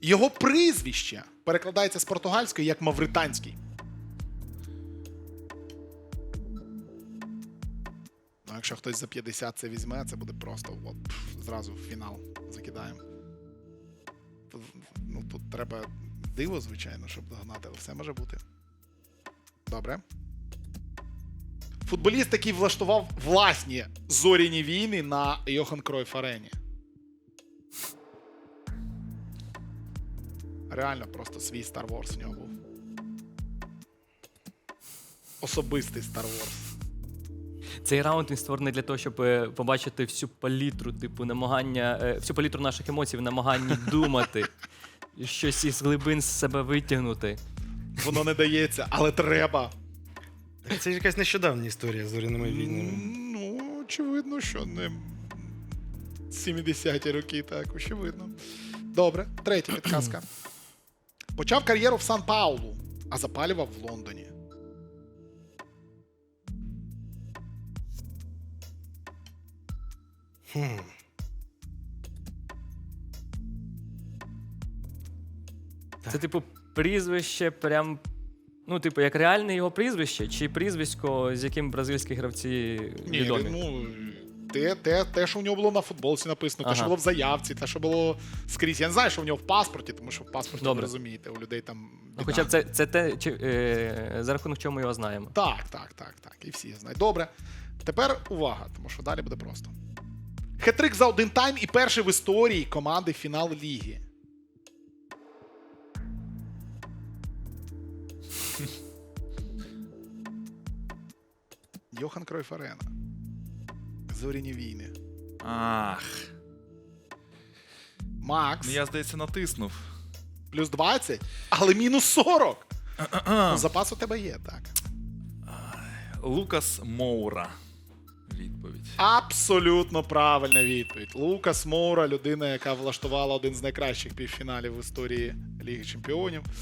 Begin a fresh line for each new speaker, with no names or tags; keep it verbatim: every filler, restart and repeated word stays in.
Його прізвище перекладається з португальської як мавританський. Ну, якщо хтось за п'ятдесят це візьме, це буде просто от, пф, зразу в фінал закидаємо. Тут, ну, тут треба диво, звичайно, щоб догнати, але все може бути. Добре. Футболіст, який влаштував власні зоряні війни на Йохан Кройф Арені. Реально просто свій Star Wars в нього був. Особистий Star Wars.
Цей раунд він створений для того, щоб е, побачити всю палітру, типу, намагання, е, всю палітру наших емоцій в намаганні думати, щось із глибин з себе витягнути.
Воно не дається, але треба.
Це ж якась нещодавня історія з зоряними війнами.
Ну, очевидно, що не сімдесяті роки, так, очевидно. Добре, третя підказка. Почав кар'єру в Сан-Паулу, а запалював в Лондоні.
Хм.
Це, типу, прізвище прям, ну, типу, як реальне його прізвище, чи прізвисько, з яким бразильські гравці
Ні,
відомі?
ну, те, те, те, що в нього було на футболці написано, те, що
Ага.
було в заявці, те, що було скрізь. Я не знаю, що в нього в паспорті, тому що в паспорті, ви
Добре.
розумієте, у людей там біда.
Ну, хоча б це, це те, чи, е, за рахунок чого ми його знаємо.
Так, так, так, так. І всі знають. Добре. Тепер увага, тому що далі буде просто. Хет-трик за один тайм і перший в історії команди фінал ліги. Йохан Кройф Арена. Зоряні війни.
Ах.
Макс.
Ну, я, здається, натиснув.
Плюс двадцять, але мінус сорок. Ну, запас у тебе є, так.
Лукас Моура. Відповідь.
Абсолютно правильна відповідь. Лукас Моура, людина, яка влаштувала один з найкращих півфіналів в історії Ліги Чемпіонів.